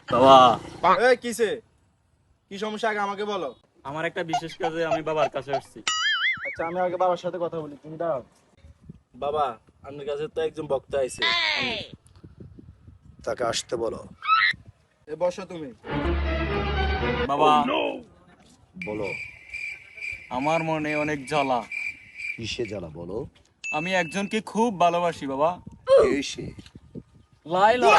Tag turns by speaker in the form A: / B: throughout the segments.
A: বাবা,
B: এই কিসে কি সমস্যা আগে আমাকে বলো।
A: আমার একটা বিশেষ কাজে আমি বাবার কাছে আসছি।
B: আচ্ছা আমি আগে বাবার সাথে কথা বলি, তুমি দাঁড়াও। বাবা, আপনার কাছে তো একজন বক্তা আইছে।
C: তাকে আসতে বলো।
B: এ বসো তুমি।
A: বাবা,
C: বলো,
A: আমার মনে অনেক জ্বালা।
C: কিসে জ্বালা বলো।
A: আমি একজনকে খুব ভালোবাসি বাবা।
C: কে সে?
A: লাইলা।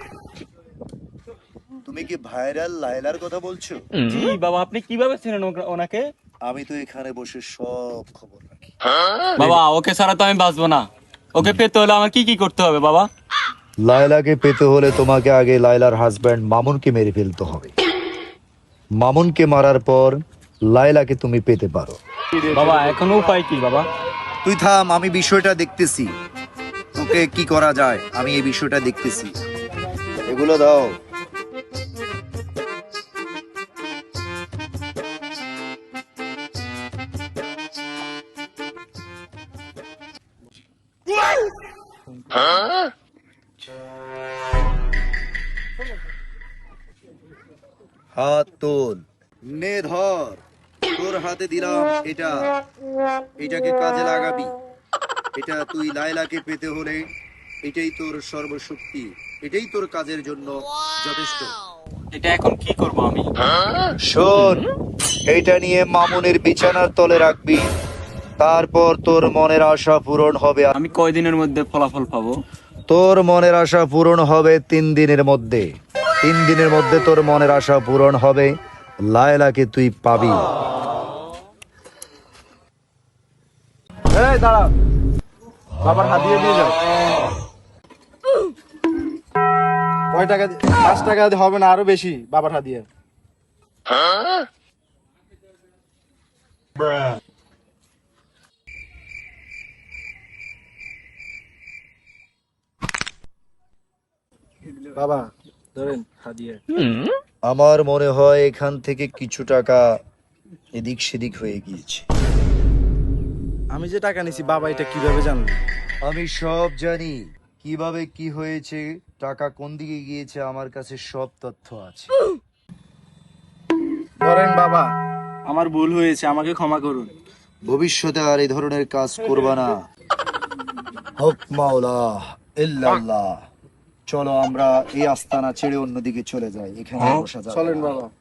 C: তুমি কি ভাইরাল লায়লার কথা বলছো?
A: জি বাবা, আপনি কিভাবে চেনেন ওনাকে?
C: আমি তো এখানে বসে সব খবর রাখি।
A: বাবা, ওকে ছাড়া তো আমি বাঁচবো না। ওকে পেতে হলে আমার কি কি করতে হবে বাবা?
C: লায়লাকে পেতে হলে তোমাকে আগে লায়লার হাজবেন্ড মামুনকে মেরে ফেলতে হবে। মামুনকে মারার পর লায়লাকে তুমি পেতে পারো।
A: বাবা, এখন উপায় কি বাবা?
C: তুই থাম, আমি বিষয়টা দেখতেছি। তোকে কি করা যায় আমি এই বিষয়টা দেখতেছি। এগুলো দাও। হাত তোল, নে ধর। তোর হাতে দিলাম এটা, এটাকে কাজে লাগাবি। এটা তুই লায়লাকে পেতে হলে এটাই তোর সর্বশক্তি, এটাই তোর কাজের জন্য যথেষ্ট।
A: এটা এখন কি করব আমি?
C: শোন, এইটা নিয়ে মামুনের বিছানার তলে রাখবি। তারপর তোর মনের আশা পূরণ হবে।
A: আমি কয়দিনের মধ্যে ফলাফল পাবো?
C: তোর মনের আশা পূরণ হবে 3 দিনের মধ্যে। 3 দিনের মধ্যে তোর মনের আশা পূরণ হবে, লায়লাকে তুই পাবি।
B: এই দাঁড়াও, বাবার হাত দিয়ে দিয়ে যাও। কয় টাকা? 5 টাকা দিয়ে হবে না, আরো বেশি বাবার হাত দিয়ে। বাবা ধরেন হাত দিয়ে।
C: আমার মনে হয় এখান থেকে কিছু টাকা এদিক সেদিক হয়ে গিয়েছে।
B: আমি যে টাকা নিছি বাবা এটা কিভাবে জানলো?
C: আমি সব জানি কিভাবে কি হয়েছে, টাকা কোন দিকে গিয়েছে, আমার কাছে সব তথ্য আছে।
B: ধরেন বাবা, আমার ভুল হয়েছে, আমাকে ক্ষমা করুন।
C: ভবিষ্যতে আর এই ধরনের কাজ করবা না। হক মাওলা ইল্লাল্লাহ। চলো আমরা এই আস্তানা ছেড়ে অন্যদিকে চলে যাই, এখানে বসা যাবে না।
B: চলেন বাবা।